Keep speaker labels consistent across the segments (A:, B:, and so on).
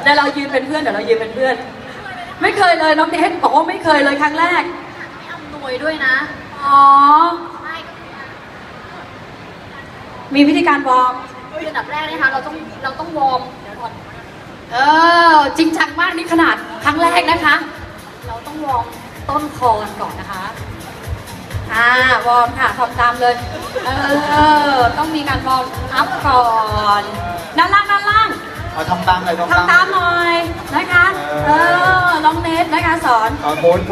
A: เดี๋ยวเรายืนเป็นเพื่อนไม่เคยเลยน้องเนทบอกว่าไม่เคยเลยครั้งแรก
B: ไม่อำนวยด้วยนะ
A: อ๋อมีวิธีการวอร์ม
B: อันดับแรกนะคะเราต้องวอร์มเดี๋ยวก่อน
A: จริงจังมากนี่ขนาดครั้งแรกนะคะ
B: เราต้องวอร์มต้นคอกันก่อนนะคะ
A: วอร์มค่ะทำตามเลยต้องมีการวอร์มอัพก่อนด้านล่าง
C: เอาทำตามเลย
A: ทำตามหน่อยนะคะน้องเนทนะคะสอน
C: โอน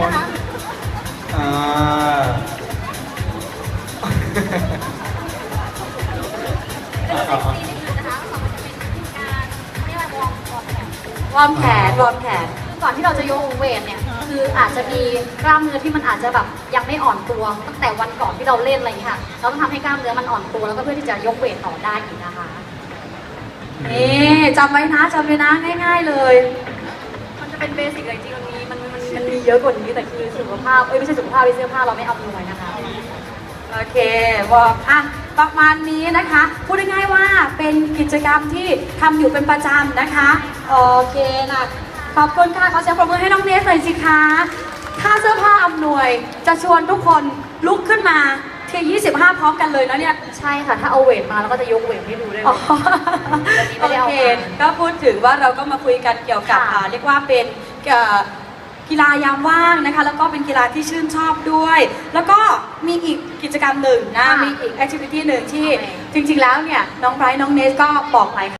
A: วอร์มแขน
B: ก่อนที่เราจะยกเวทเนี่ยคืออาจจะมีกล้ามเนื้อที่มันอาจจะแบบยังไม่อ่อนตัวตั้งแต่วันก่อนที่เราเล่นอะไรอย่างนี้ค่ะเราต้องทำให้กล้ามเนื้อมันอ่อนตัวแล้วก็เพื่อที่จะยกเวทต่อได้อีกนะคะ
A: นี่จำไว้นะง่ายๆเลย
B: มันจะเป็นเบสิกเลยจริงๆมันมีเยอะกว่านี้แต่คือสุขภาพไม่ใช่สุขภาพเสื้อผ้าเราไม่เอาเลยนะคะ
A: โอเควอร์มประมาณนี้นะคะพูดง่ายๆว่าเป็นกิจกรรมที่ทำอยู่เป็นประจำนะคะโอเคนะขอบคุณค่ะขอเสียงปรบมือให้น้องเนสหน่อยสิคะถ้าเสื้อผ้าอำนวยจะชวนทุกคนลุกขึ้นมาที่25พร้อมกันเลยนะเนี่ย
B: ใช่ค่ะถ้าเอาเวทมาแล้วก็จะยกเวทให้ดูได้เลย
A: โอเคก็พูดถึงว่าเราก็มาคุยกันเกี่ยวกับเรียกว่าเป็นกีฬายามว่างนะคะแล้วก็เป็นกีฬาที่ชื่นชอบด้วยแล้วก็มีอีกกิจกรรมหนึ่งนะมีอีกแอคทิวิตี้หนึ่งที่จริงๆแล้วเนี่ยน้องไบรท์น้องเนสก็บอกไป